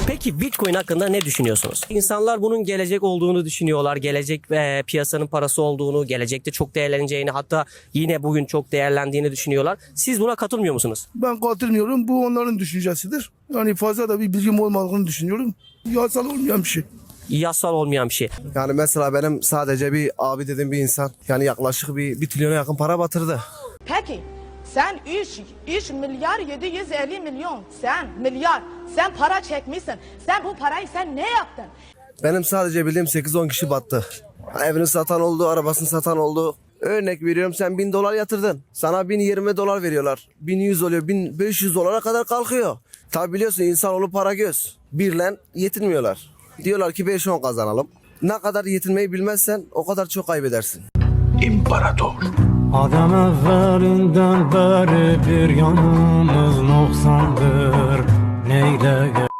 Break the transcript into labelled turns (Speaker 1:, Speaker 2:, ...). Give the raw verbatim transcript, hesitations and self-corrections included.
Speaker 1: Peki Bitcoin hakkında ne düşünüyorsunuz? İnsanlar bunun gelecek olduğunu düşünüyorlar. Gelecek ve piyasanın parası olduğunu, gelecekte çok değerleneceğini, hatta yine bugün çok değerlendiğini düşünüyorlar. Siz buna katılmıyor musunuz?
Speaker 2: Ben katılmıyorum. Bu onların düşüncesidir. Yani fazla da bir bilgim olmadığını düşünüyorum. Yasal olmayan bir şey.
Speaker 1: Yasal olmayan bir şey.
Speaker 3: Yani mesela benim sadece bir abi dediğim bir insan yani yaklaşık bir, bir trilyona yakın para batırdı.
Speaker 4: Peki sen üç, üç milyar yedi yüz elli milyon sen milyar sen para çekmişsin. Sen bu parayı sen ne yaptın?
Speaker 3: Benim sadece bildiğim sekiz on kişi battı. Evini satan oldu, arabasını satan oldu. Örnek veriyorum, sen bin dolar yatırdın. Sana bin yirmi dolar veriyorlar. bin yüz oluyor, bin beş yüz dolara kadar kalkıyor. Tabi biliyorsun insanoğlu para göz. Birle yetinmiyorlar. Diyorlar ki beş on kazanalım. Ne kadar yetinmeyi bilmezsen o kadar çok kaybedersin.
Speaker 5: Adam evvelinden beri bir yanımız noksandır. Neyle